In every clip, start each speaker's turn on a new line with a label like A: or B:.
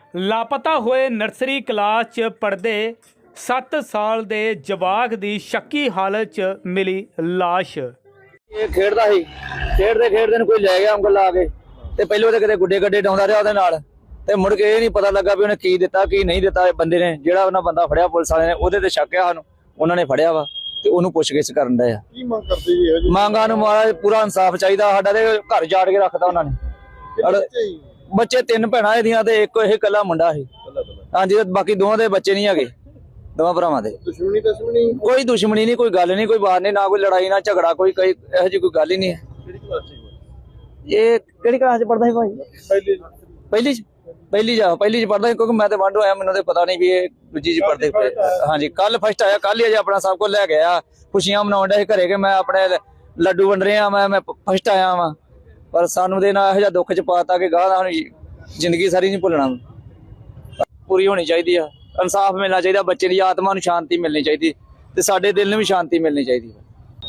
A: ਲਾਪਤਾ ਹੋਏ nursery class 'ਚ ਪੜ੍ਹਦੇ 7 ਸਾਲ ਦੇ ਜਵਾਕ ਦੀ ਸ਼ੱਕੀ ਹਾਲਤ 'ਚ ਮਿਲੀ ਲਾਸ਼।
B: ਇਹ ਖੇਡਦਾ ਸੀ, ਖੇਡਦੇ ਨੂੰ ਕੋਈ ਲੈ ਗਿਆ ਉਂਗਲ ਲਾ ਕੇ ਤੇ ਪਹਿਲੋਂ ਤੇ ਕਿਤੇ ਗੁੱਡੇ ਗੱਡੇ ਡਾਉਂਦਾ ਰਿਹਾ ਉਹਦੇ ਨਾਲ ਤੇ ਮੁੜ ਕੇ ਇਹ ਨਹੀਂ ਪਤਾ ਲੱਗਾ ਵੀ ਉਹਨੇ ਕੀ ਦਿੱਤਾ ਕੀ ਨਹੀਂ ਦਿੱਤਾ। ਬੰਦੇ ਨੇ ਜਿਹੜਾ ਉਹਨਾਂ ਬੰਦਾ ਫੜਿਆ ਪੁਲਿਸ ਵਾਲੇ ਨੇ ਉਹਦੇ ਤੇ ਸ਼ੱਕ ਆ ਸਾਨੂੰ, ਉਹਨਾਂ ਨੇ ਫੜਿਆ ਵਾ ਤੇ ਉਹਨੂੰ ਪੁੱਛਗਿੱਛ ਕਰਨ ਡਏ ਆ।
C: ਕੀ ਮੰਗ ਕਰਦੇ ਜੀ? ਇਹੋ ਜਿਹੀ
B: ਮੰਗਾਂ ਨੂੰ ਮਹਾਰਾਜ ਪੂਰਾ ਇਨਸਾਫ ਚਾਹੀਦਾ। ਸਾਡਾ ਤੇ ਘਰ ਜਾੜ ਕੇ ਰੱਖਦਾ ਉਹਨਾਂ ਨੇ। ਬੱਚੇ 3 ਭੈਣਾਂ ਇਹਦੀਆਂ ਤੇ ਇੱਕ ਇਹ ਇਕੱਲਾ ਮੁੰਡਾ ਸੀ। ਹਾਂਜੀ, ਬਾਕੀ ਦੋਵਾਂ ਦੇ ਬੱਚੇ ਨਹੀਂ ਹੈਗੇ, ਦੋਵਾਂ ਭਰਾਵਾਂ ਦੇ।
C: ਦੁਸ਼ਮਣੀ
B: ਕੋਈ ਦੁਸ਼ਮਣੀ ਨਹੀਂ, ਕੋਈ ਗੱਲ ਨਹੀਂ, ਕੋਈ ਬਾਤ ਨਹੀਂ, ਨਾ ਕੋਈ ਲੜਾਈ ਨਾ ਝਗੜਾ, ਕੋਈ ਇਹੋ ਜਿਹੀ ਕੋਈ ਗੱਲ ਹੀ ਨਹੀਂ ਹੈ। ਇਹ ਕਿਹੜੀ ਕਲਾਸ ਚ ਪੜਦਾ ਸੀ ਭਾਈ? ਪਹਿਲੀ ਚ ਪੜਦਾ ਸੀ, ਕਿਉਂਕਿ ਮੈਂ ਤੇ ਵਾਂਢੋ ਆਇਆ, ਮੈਨੂੰ ਤੇ ਪਤਾ ਨਹੀਂ ਵੀ ਇਹ ਦੂਜੀ ਚ ਪੜਦੇ। ਹਾਂਜੀ, ਕੱਲ ਫਸਟ ਆਇਆ, ਕੱਲ ਹੀ ਅਜੇ ਆਪਣਾ ਸਭ ਕੁਝ ਲੈ ਗਿਆ, ਖੁਸ਼ੀਆਂ ਮਨਾਉਣ ਡਿਆ ਸੀ ਘਰੇ ਕਿ ਮੈਂ ਆਪਣੇ ਲੱਡੂ ਵੰਡ ਰਿਹਾ, ਮੈਂ ਫਸਟ ਆਇਆ ਵਾਂ। ਪਰ ਸਾਨੂੰ ਦੇ ਨਾਲ ਇਹੋ ਜਿਹਾ ਦੁੱਖ ਚ ਪਾਤਾ ਕਿ ਗਾਹ ਸਾਨੂੰ ਜ਼ਿੰਦਗੀ ਸਾਰੀ ਨਹੀਂ ਭੁੱਲਣਾ। ਪੂਰੀ ਹੋਣੀ ਚਾਹੀਦੀ ਆ, ਇਨਸਾਫ ਮਿਲਣਾ ਚਾਹੀਦਾ, ਬੱਚੇ ਦੀ ਆਤਮਾ ਨੂੰ ਸ਼ਾਂਤੀ ਮਿਲਣੀ ਚਾਹੀਦੀ ਤੇ ਸਾਡੇ ਦਿਲ ਨੂੰ ਵੀ ਸ਼ਾਂਤੀ ਮਿਲਣੀ ਚਾਹੀਦੀ ਹੈ।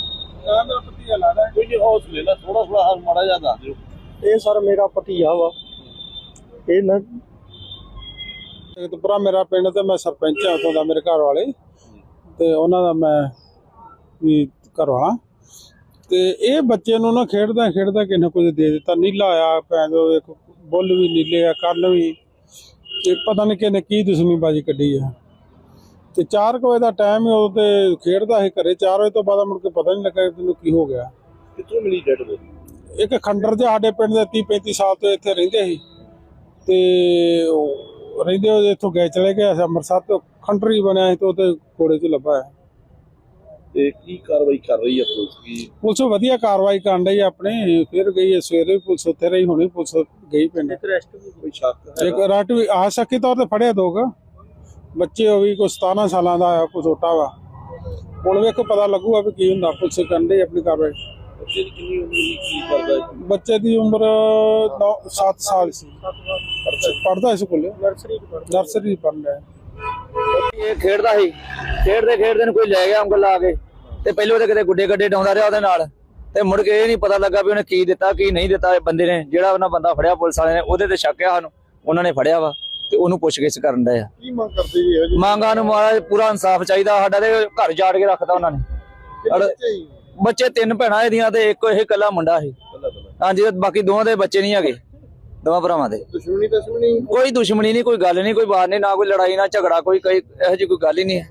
C: ਇਹ ਸਰ ਮੇਰਾ ਭਤੀਆ ਵਾ। ਇਹ ਨਾ ਜਗਤਪੁਰਾ ਮੇਰਾ ਪਿੰਡ ਤੇ ਮੈਂ ਸਰਪੰਚ ਹਾਂ ਉਥੋਂ ਦਾ, ਮੇਰੇ ਘਰ ਵਾਲੇ ਤੇ ਉਹਨਾਂ ਦਾ ਮੈਂ ਵੀ ਘਰ ਵਾਲਾ। ਤੇ ਇਹ ਬੱਚੇ ਨੂੰ ਨਾ ਖੇਡਦਾ ਕਿਸੇ ਨੇ ਕੁਝ ਦੇ ਦਿੱਤਾ। ਨੀਲਾ ਆਇਆ ਭੈਣ ਚੋ, ਇੱਕ ਬੁੱਲ ਵੀ ਨੀਲੇ ਆ, ਕੰਨ ਵੀ, ਤੇ ਪਤਾ ਨਹੀਂ ਕਿਹਨੇ ਕੀ ਦੁਸ਼ਮਣੀਬਾਜ਼ੀ ਕੱਢੀ ਆ। ਤੇ 4 ਵਜੇ ਦਾ ਟਾਈਮ ਉਹ ਤੇ ਖੇਡਦਾ ਸੀ ਘਰੇ। 4 ਵਜੇ ਤੋਂ ਬਾਅਦ ਮੁੜ ਕੇ ਪਤਾ ਨਹੀਂ ਲੱਗਾ ਤੈਨੂੰ ਕੀ ਹੋ ਗਿਆ। ਕਿੱਥੋਂ ਮਿਲੀ ਡੈਡ ਬੋਡੀ? ਇੱਕ ਖੰਡਰ ਦੇ ਸਾਡੇ ਪਿੰਡ ਦੇ 30-35 ਸਾਲ ਤੋਂ ਇੱਥੇ ਰਹਿੰਦੇ ਸੀ ਤੇ ਰਹਿੰਦੇ ਉਹ ਇੱਥੋਂ ਗਏ ਚਲੇ ਗਏ ਅੰਮ੍ਰਿਤਸਰ ਤੋਂ। ਖੰਡਰ ਹੀ ਬਣਿਆ ਸੀ ਤੇ ਉਹਦੇ ਕੋੜੇ 'ਚ ਲੱਭਾ ਹੈ।
D: ਤੇ ਕੀ ਕਾਰਵਾਈ ਕਰ ਰਹੀ ਹੈ ਪੁਲਿਸ? ਕੀ
C: ਪੁਲਿਸ ਵਧੀਆ ਕਾਰਵਾਈ ਕਰਨ ਡਈ ਆਪਣੇ। ਫਿਰ ਗਈ ਹੈ ਸਵੇਰੇ ਵੀ ਪੁਲਿਸ ਉੱਥੇ ਰਹੀ, ਹੋਣੀ ਪੁਲਿਸ ਗਈ ਪਿੰਡ।
D: ਕੋਈ ਸ਼ੱਕ
C: ਇੱਕ ਰਾਟ ਵੀ ਆ ਸ਼ੱਕੀ ਤੌਰ ਤੇ ਫੜਿਆ ਦੋਗਾ ਬੱਚੇ, ਉਹ ਵੀ ਕੋਈ 17 ਸਾਲਾਂ ਦਾ ਆ, ਕੋਈ ਛੋਟਾ ਵਾ। ਹੁਣ ਵੇਖੋ ਪਤਾ ਲੱਗੂਗਾ ਵੀ ਕੀ ਹੁੰਦਾ। ਪੁਲਿਸ ਕਰਨ ਡਈ ਆਪਣੀ ਕਾਰਵਾਈ।
D: ਬੱਚੇ ਦੀ ਕਿੰਨੀ ਉਮਰ ਸੀ, ਕੀ ਕਰਦਾ?
C: ਬੱਚੇ ਦੀ ਉਮਰ 7 ਸਾਲ ਸੀ, ਪੜਦਾ ਸਕੂਲੇ, ਨਰਸਰੀ ਪੜ੍ਹਦਾ।
B: ਇਹ ਖੇਡਦਾ ਸੀ, ਖੇਡਦੇ ਨੂੰ ਕੋਈ ਲੈ ਗਿਆ ਉਂਗਲ ਲਾ ਕੇ ਤੇ ਪਹਿਲੋਂ ਤੇ ਕਿਤੇ ਗੁੱਡੇ ਗੱਡੇ ਡਾਉਂਦਾ ਰਿਹਾ ਉਹਦੇ ਨਾਲ ਤੇ ਮੁੜ ਕੇ ਇਹ ਨਹੀਂ ਪਤਾ ਲੱਗਾ ਵੀ ਉਹਨੇ ਕੀ ਦਿੱਤਾ ਕੀ ਨਹੀਂ ਦਿੱਤਾ। ਬੰਦੇ ਨੇ ਜਿਹੜਾ ਉਹਨਾਂ ਬੰਦਾ ਫੜਿਆ ਪੁਲਿਸ ਵਾਲੇ ਨੇ ਉਹਦੇ ਤੇ ਸ਼ੱਕ ਆ ਸਾਨੂੰ, ਉਹਨਾਂ ਨੇ ਫੜਿਆ ਵਾ ਤੇ ਉਹਨੂੰ ਪੁੱਛਗਿੱਛ ਕਰਨ ਡਏ ਆ।
C: ਕੀ ਮੰਗ ਕਰਦੇ ਜੀ? ਇਹੋ ਜਿਹੀ
B: ਮੰਗਾਂ ਨੂੰ ਮਹਾਰਾਜ ਪੂਰਾ ਇਨਸਾਫ ਚਾਹੀਦਾ। ਸਾਡਾ ਤੇ ਘਰ ਜਾੜ ਕੇ ਰੱਖਦਾ ਉਹਨਾਂ ਨੇ। ਬੱਚੇ 3 ਭੈਣਾਂ ਇਹਦੀਆਂ ਤੇ ਇੱਕ ਇਹ ਇਕੱਲਾ ਮੁੰਡਾ ਸੀ। ਹਾਂਜੀ, ਬਾਕੀ ਦੋਵਾਂ ਦੇ ਬੱਚੇ ਨਹੀਂ ਹੈਗੇ, ਦੋਵਾਂ ਭਰਾਵਾਂ ਦੇ।
C: ਦੁਸ਼ਮਣੀ
B: ਕੋਈ ਦੁਸ਼ਮਣੀ ਨਹੀਂ, ਕੋਈ ਗੱਲ ਨਹੀਂ, ਕੋਈ ਬਾਤ ਨਹੀਂ, ਨਾ ਕੋਈ ਲੜਾਈ ਨਾ ਝਗੜਾ, ਕੋਈ ਇਹੋ ਜਿਹੀ ਕੋਈ ਗੱਲ ਹੀ ਨਹੀਂ ਹੈ।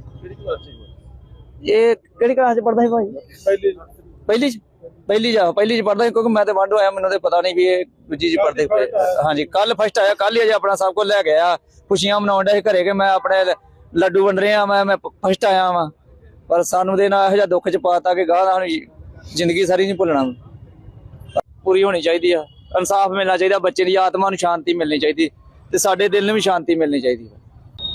B: ਇਹ ਕਿਹੜੀ ਕਲਾਸ ਚ ਪੜਦਾ ਸੀ ਭਾਈ? ਪਹਿਲੀ ਚ ਪੜਦਾ ਸੀ, ਕਿਉਂਕਿ ਮੈਂ ਤੇ ਵਾਂਢੋ ਆਇਆ, ਮੈਨੂੰ ਤੇ ਪਤਾ ਨਹੀਂ ਵੀ ਇਹ ਦੂਜੀ ਚ ਪੜਦੇ। ਹਾਂਜੀ, ਕੱਲ ਫਸਟ ਆਇਆ, ਕੱਲ ਹੀ ਅਜੇ ਆਪਣਾ ਸਭ ਕੁਝ ਲੈ ਗਿਆ, ਖੁਸ਼ੀਆਂ ਮਨਾਉਣ ਡਿਆ ਸੀ ਘਰੇ ਕਿ ਮੈਂ ਆਪਣੇ ਲੱਡੂ ਵੰਡ ਰਿਹਾ, ਮੈਂ ਫਸਟ ਆਇਆ ਵਾਂ। ਪਰ ਸਾਨੂੰ ਦੇ ਨਾਲ ਇਹੋ ਜਿਹਾ ਦੁੱਖ ਚ ਪਾਤਾ ਕਿ ਗਾਹ ਸਾਨੂੰ ਜ਼ਿੰਦਗੀ ਸਾਰੀ ਨਹੀਂ ਭੁੱਲਣਾ। ਪੂਰੀ ਹੋਣੀ ਚਾਹੀਦੀ ਆ, ਇਨਸਾਫ ਮਿਲਣਾ ਚਾਹੀਦਾ, ਬੱਚੇ ਦੀ ਆਤਮਾ ਨੂੰ ਸ਼ਾਂਤੀ ਮਿਲਣੀ ਚਾਹੀਦੀ ਤੇ ਸਾਡੇ ਦਿਲ ਨੂੰ ਵੀ ਸ਼ਾਂਤੀ ਮਿਲਣੀ ਚਾਹੀਦੀ ਹੈ।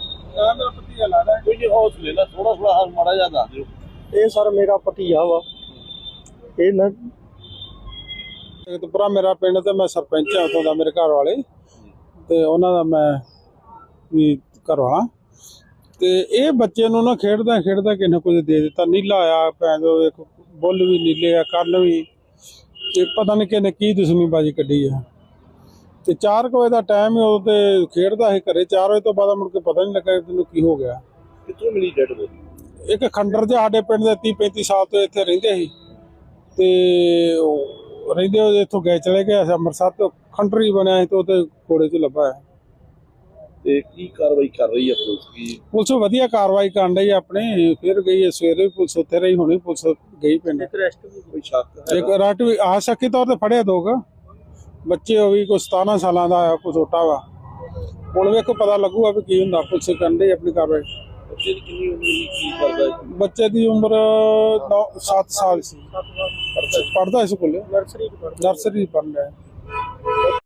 C: ਇਹ ਸਰ ਮੇਰਾ ਭਤੀਆ ਵਾ। ਇਹ ਨਾ ਜਗਤਪੁਰਾ ਮੇਰਾ ਪਿੰਡ ਤੇ ਮੈਂ ਸਰਪੰਚ ਹਾਂ ਉਥੋਂ ਦਾ, ਮੇਰੇ ਘਰ ਵਾਲੇ ਤੇ ਉਹਨਾਂ ਦਾ ਮੈਂ ਵੀ ਘਰ ਵਾਲਾ। ਤੇ ਇਹ ਬੱਚੇ ਨੂੰ ਨਾ ਖੇਡਦਾ ਕਿਸੇ ਨੇ ਕੁਝ ਦੇ ਦਿੱਤਾ। ਨੀਲਾ ਆਇਆ ਭੈਣ ਚੋ, ਇੱਕ ਬੁੱਲ ਵੀ ਨੀਲੇ ਆ, ਕੰਨ ਵੀ, ਤੇ ਪਤਾ ਨਹੀਂ ਕਿਹਨੇ ਕੀ ਦੁਸ਼ਮਣੀਬਾਜ਼ੀ ਕੱਢੀ ਆ। ਤੇ 4 ਵਜੇ ਦਾ ਟਾਈਮ ਉਹ ਤੇ ਖੇਡਦਾ ਸੀ ਘਰੇ। 4 ਵਜੇ ਤੋਂ ਬਾਅਦ ਮੁੜ ਕੇ ਪਤਾ ਨਹੀਂ ਲੱਗਾ ਤੈਨੂੰ ਕੀ ਹੋ ਗਿਆ।
D: ਕਿੱਥੋਂ ਮਿਲੀ ਡੈਡ ਬੋਡੀ?
C: ਇੱਕ ਖੰਡਰ ਦੇ ਸਾਡੇ ਪਿੰਡ ਦੇ 30-35 ਸਾਲ ਤੋਂ ਇੱਥੇ ਰਹਿੰਦੇ ਸੀ ਤੇ ਰਹਿੰਦੇ ਉਹ ਇੱਥੋਂ ਗਏ ਚਲੇ ਗਏ ਅੰਮ੍ਰਿਤਸਰ ਤੋਂ। ਖੰਡਰ ਹੀ ਬਣਿਆ ਸੀ ਤੇ ਉਹਦੇ ਕੋੜੇ 'ਚ ਲੱਭਾ ਹੈ।
D: ਤੇ ਕੀ ਕਾਰਵਾਈ ਕਰ ਰਹੀ ਹੈ ਪੁਲਿਸ? ਕੀ
C: ਪੁਲਿਸ ਵਧੀਆ ਕਾਰਵਾਈ ਕਰਨ ਡਈ ਆਪਣੇ। ਫਿਰ ਗਈ ਹੈ ਸਵੇਰੇ ਵੀ ਪੁਲਿਸ ਉੱਥੇ ਰਹੀ, ਹੋਣੀ ਪੁਲਿਸ ਗਈ ਪਿੰਡ।
D: ਕੋਈ ਸ਼ੱਕ
C: ਇੱਕ ਰਾਟ ਵੀ ਆ ਸ਼ੱਕੀ ਤੌਰ ਤੇ ਫੜਿਆ ਦੋਗਾ ਬੱਚੇ, ਉਹ ਵੀ ਕੋਈ 17 ਸਾਲਾਂ ਦਾ ਆ, ਕੋਈ ਛੋਟਾ ਵਾ। ਹੁਣ ਵੇਖੋ ਪਤਾ ਲੱਗੂਗਾ ਵੀ ਕੀ ਹੁੰਦਾ। ਪੁਲਿਸ ਕਰਨ ਡਈ ਆਪਣੀ ਕਾਰਵਾਈ।
D: ਬੱਚੇ ਦੀ ਕਿੰਨੀ ਉਮਰ ਸੀ, ਕੀ ਕਰਦਾ?
C: ਬੱਚੇ ਦੀ ਉਮਰ 7 ਸਾਲ ਸੀ, ਪੜਦਾ ਸਕੂਲੇ, ਨਰਸਰੀ ਪੜ੍ਹਦਾ।